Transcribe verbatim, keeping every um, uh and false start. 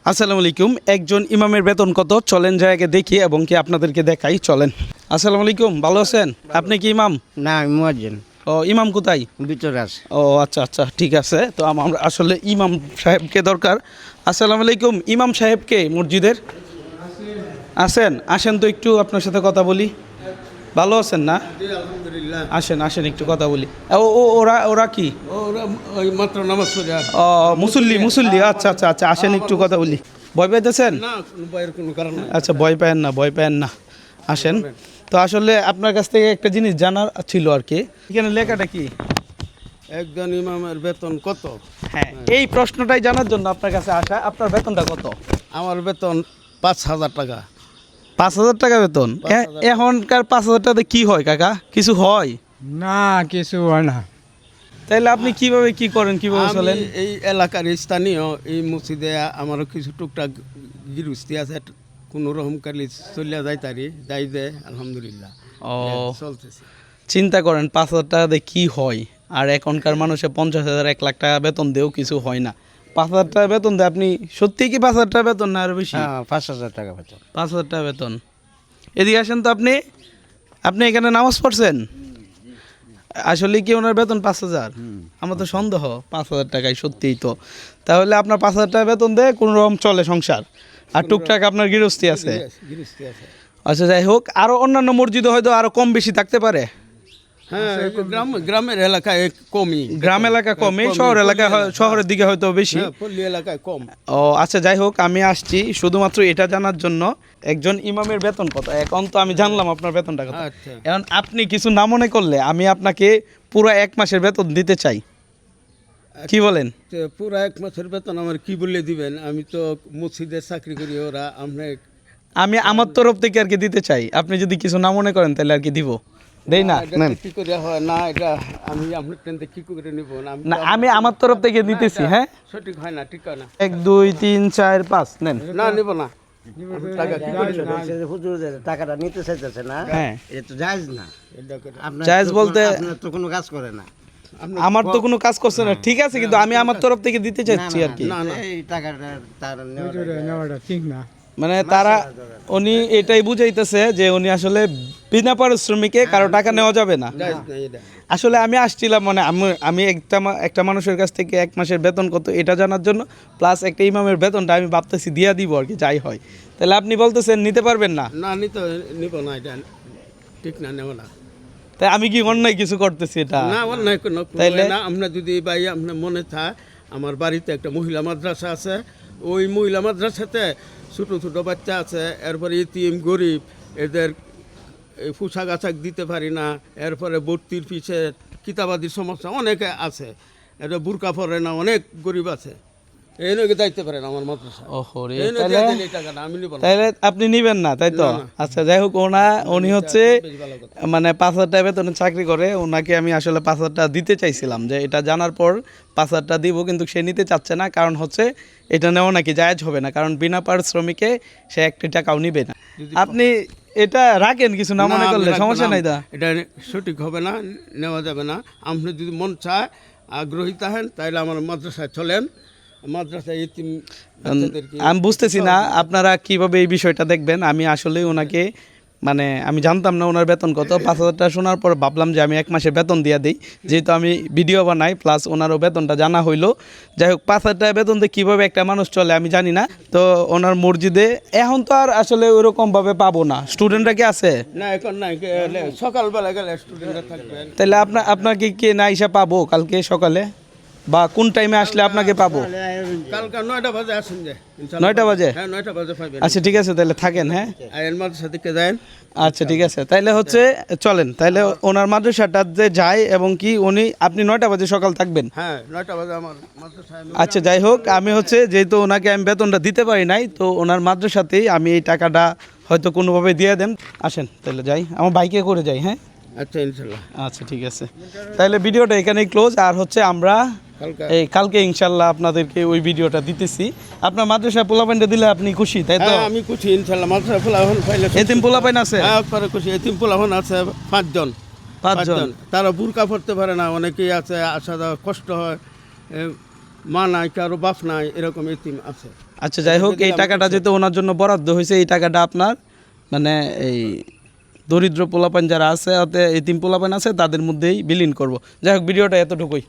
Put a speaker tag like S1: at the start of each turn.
S1: আসসালামু আলাইকুম। একজন ইমামের বেতন কত চলেন জায়গাকে দেখি এবং কি আপনাদেরকে দেখাই, চলেন। আসসালামু আলাইকুম, ভালো আছেন? আপনি কি ইমাম?
S2: না, আমি মুয়াজ্জিন।
S1: ও, ইমাম কোথায়?
S2: ভিতরে আছে।
S1: ও আচ্ছা আচ্ছা, ঠিক আছে। তো আমার আসলে ইমাম সাহেবকে দরকার। আসসালামু আলাইকুম, ইমাম সাহেবকে মসজিদের আছেন? আসেন তো একটু আপনার সাথে কথা বলি। ভালো আছেন না?
S3: আলহামদুলিল্লাহ।
S1: আসেন আসেন একটু কথা বলি। ও ও ওরা ওরা কি?
S3: ওরা ওই মাত্র নামাজ পড়ে আসে।
S1: ও মুসল্লি মুসল্লি, আচ্ছা আচ্ছা আচ্ছা, আসেন একটু কথা বলি। ভয় পাইতেছেন?
S3: না, কোনো ভয়ের কোনো কারণ নাই।
S1: আচ্ছা, ভয় পায়েন না, ভয় পায়েন না, আসেন। তো আসলে আপনার কাছ থেকে একটা জিনিস জানার ছিল আর কি। এখানে লেখাটা কি?
S3: একজন ইমামের বেতন কত?
S1: হ্যাঁ, এই প্রশ্নটাই জানার জন্য আপনার কাছে আসা। আপনার বেতনটা কত?
S3: আমার বেতন পাঁচ হাজার টাকা।
S1: পাঁচ হাজার টাকা বেতন? এ- এখনকার পাঁচ হাজার টাকাতে কি হয় কাকা? কিছু হয়?
S2: না, কিছু হয় না।
S1: তাইলে আপনি কিভাবে কি করেন, কিভাবে
S3: আমি
S1: চলেন?
S3: এই এলাকার স্থানীয় এই মসজিদে আমারও কিছু টুকটাক গিরুস্তি আছে, কোনো রকম কালি চলিয়া যাই তারি যাই দে, আলহামদুলিল্লাহ।
S1: ও,
S3: চলতেছে।
S1: চিন্তা করেন পাঁচ হাজার টাকাতে কি হয়। আর এখনকার মানুষে পঞ্চাশ হাজার এক লাখ টাকা বেতন দিয়েও কিছু হয় না। পাঁচ হাজার টাকা বেতন দেয় আপনি সত্যিই কি পাঁচ হাজার টাকা বেতন না আরো বেশি?
S2: হ্যাঁ, পাঁচ হাজার টাকা বেতন।
S1: পাঁচ হাজার টাকা বেতন। এদিকে আসেন তো আপনি। আপনি এখানে নামাজ পড়ছেন? আসলে কি ওনার বেতন পাঁচ হাজার? আমার তো সন্দেহ পাঁচ হাজার টাকায় সত্যিই তো। তাহলে আপনার পাঁচ হাজার টাকা বেতন দেয় কোনো রকম চলে সংসার, আর টুকটাক আপনার গৃহস্থী আছে।
S3: গিরুস্তি আছে।
S1: আচ্ছা, যাই হোক, আরও অন্যান্য মসজিদে হয়তো আরও কম বেশি থাকতে পারে।
S3: হ্যাঁ, গ্রাম গ্রামের এলাকায় কমই।
S1: গ্রাম এলাকা কমে, শহর এলাকায় হয়- শহরের দিকে হয়তো বেশি।
S3: হ্যাঁ, পল্লী এলাকায় কম।
S1: ও আচ্ছা, যাই হোক, আমি আসছি শুধুমাত্র এটা জানার জন্য একজন ইমামের বেতন কত। এখন তো আমি জানলাম আপনার বেতনটা কত।
S3: আচ্ছা।
S1: এখন আপনি কিছু না মনে করলে আমি আপনাকে পুরো এক মাসের বেতন দিতে চাই, কি বলেন?
S3: তো পুরো এক মাসের বেতন আমার কি বলে দিবেন? আমি তো মসজিদে চাকরি করি, ওরা আমরা
S1: আমি আমার তরফ থেকে আর কি দিতে চাই। আপনি যদি কিছু না মনে করেন তাহলে আর কি দিব, দেই না?
S3: এটা তো কি করে হয় না, এটা আমি আপনার ট্রেনতে কি করে নিব না? আমি
S1: না,
S3: তো-
S1: আমি আমার তরফ থেকে দিতেছি। হ্যাঁ,
S3: সঠিক হয় না, ঠিক হয় না।
S1: এক দুই তিন চার পাঁচ নেন।
S3: না, নিব না। টাকা কি করে নেব?
S2: হুজুর যে টাকাটা নিতে চাইতেছে না,
S1: হ্যাঁ,
S2: এটা তো জায়েজ না।
S3: এটা করে-
S2: আপনার
S1: জায়েজ
S2: তো
S1: বলতে-
S2: কোনো- আপনার তো কোনো কাজ করে না।
S3: আপনার-
S1: আমার তো কোনো কাজ করছে না, ঠিক আছে, কিন্তু আমি আমার তরফ থেকে দিতে চাচ্ছি আর কি।
S3: না, না।
S2: এই টাকাটা তার নেওয়াটা ঠিক না।
S1: মানে তারা উনি এটাই বুঝাইতেছে যে উনি আসলে বিনা পারিশ্রমিকে কারো টাকা নেওয়া যাবে না।
S3: জায়েজ নাই এটা।
S1: আসলে আমি আসছিলাম মানে আমি আমি একটা মা- একটা মানুষের কাছ থেকে এক মাসের বেতন কত এটা জানার জন্য, প্লাস একটা ইমামের বেতনটা আমি ভাবতেছি দিয়া দিব আর কি, যাই হয়। তাহলে আপনি বলতেছেন নিতে পারবেন না?
S3: না, নিতে নিব না, এটা ঠিক না, নেব না।
S1: তাই আমি কি অন্যায় কিছু করতেছি এটা?
S3: না, অন্যায় কোনো
S1: তাইলে?
S3: না। আপনার যদি ভাই আপনার মনে থাকে, আমার বাড়িতে একটা মহিলা মাদ্রাসা আছে। ওই মহিলা মাদ্রাসাতে ছোটো ছোটো বাচ্চা আছে, এরপরে ইতিম গরিব, এদের এই পোশাক আশাক দিতে পারি না, এরপরে ভর্তির পিছে কিতাবাদির সমস্যা অনেকে আছে, এটা বুরকা পরে না, অনেক গরিব আছে, এই নয় যাইতে পারে না আমার মাদ্রাসা।
S1: ওহো রে,
S3: এই নয়
S1: তাহলে
S3: দিয়ে দিলে এই টাকাটা আমি নিব না।
S1: তাহলে আপনি নিবেন না, তাই তো?
S3: না, না।
S1: আচ্ছা, যাই হোক, ওনা উনি হচ্ছে
S3: বেশ ভালো কথা।
S1: মানে পাঁচ হাজার টাকা বেতনে চাকরি করে। ওনাকে আমি আসলে পাঁচ হাজার টাকা দিতে চাইছিলাম, যে এটা জানার পর পাঁচ হাজার টাকা দিব, কিন্তু সে নিতে চাচ্ছে না। কারণ হচ্ছে এটা নেওয়া নাকি জায়েজ হবে না, কারণ বিনা পারিশ্রমিকে সে একটি টাকাও নিবে না। আপনি এটা রাখেন, কিছু না মনে
S3: না,
S1: করলে
S3: আমি রাখবো
S1: সমস্যা
S3: না।
S1: নাই। তা
S3: এটা সঠিক হবে না, নেওয়া যাবে না। আপনি যদি মন চায়, আগ্রহী থাকেন, তাহলে আমার মাদ্রাসায় চলেন। মাদ্রাসায় ইতিম বাচ্চাদেরকে
S1: আমি বুঝতেছি না আপনারা কিভাবে এই বিষয়টা দেখবেন। আমি আসলে ওনাকে মানে আমি জানতাম না ওনার বেতন কত। পাঁচ হাজার টাকা শোনার পর ভাবলাম যে আমি এক মাসে বেতন দিয়ে দিই, যেহেতু আমি ভিডিও বানাই, প্লাস ওনারও বেতনটা জানা হইলো। যাই হোক, পাঁচ হাজার টাকা বেতন দিয়ে কীভাবে একটা মানুষ চলে আমি জানি না। তো ওনার মসজিদে এখন তো আর আসলে ওইরকমভাবে পাবো না। স্টুডেন্টরা কি আছে?
S3: না, এখন নাই, গেলে সকালবেলা গেলে স্টুডেন্টরা থাকবেন।
S1: তাহলে আপনার আপনাকে কি না এসে পাবো কালকে সকালে, বা কোন টাইমে আসলে আপনাকে পাবো?
S3: কালকে নয়টা বাজে আসুন যে, ইনশাআল্লাহ।
S1: নয়টা বাজে?
S3: হ্যাঁ, নয়টা বাজে পাইবেন।
S1: আচ্ছা, ঠিক আছে, তাহলে থাকেন। হ্যাঁ,
S3: আইন মাদ্রাসা থেকে যান।
S1: আচ্ছা, ঠিক আছে, তাইলে হচ্ছে চলেন। তাইলে ওনার মাদ্রাসাটা যে যায় এবং কি উনি আপনি নয়টা বাজে সকাল থাকবেন।
S3: হ্যাঁ, নয়টা বাজে আমার মাদ্রাসায় আমি-
S1: আচ্ছা, যাই হোক, আমি হচ্ছে যেহেতু ওনাকে আমি বেতনটা দিতে পারি নাই, তো ওনার মাদ্রাসাতেই আমি এই টাকাটা হয়তো কোনোভাবে দিয়ে দেন। আসেন তাহলে যাই, আমার বাইকে করে যাই। হ্যাঁ,
S3: আচ্ছা, ইনশাল্লাহ।
S1: আচ্ছা, ঠিক আছে, তাহলে ভিডিওটা এখানেই ক্লোজ। আর হচ্ছে আমরা
S3: কালকে
S1: এই কালকে ইনশাল্লাহ আপনাদেরকে ওই ভিডিওটা দিতেছি। আপনার মাদ্রাসায় পোলাপাইনটা দিলে আপনি খুশি, তাই তো?
S3: হ্যাঁ, আমি খুশি ইনশাল্লাহ। মাদ্রাসা ফুলাহন পাইলে
S1: এতিম পোলাপাইন আছে
S3: হ্যাঁ, পরে খুশি। এতিম ফুলাহন আছে পাঁচজন।
S1: পাঁচজন।
S3: তারা বুরকা পড়তে পারে না, অনেকেই আছে, আসা যাওয়া কষ্ট হয়, এ, মা নাই, কারো বাপ নাই, এরকম এতিম আছে।
S1: আচ্ছা যাই হোক এই টাকাটা যেহেতু ওনার জন্য বরাদ্দ হয়েছে এই টাকাটা আপনার মানে এই দরিদ্র পোলাপান যারা আছে অতে এতিম পোলাপান আছে তাদের মধ্যেই বিলীন করব। যাই হোক ভিডিওটা এতটুকুই।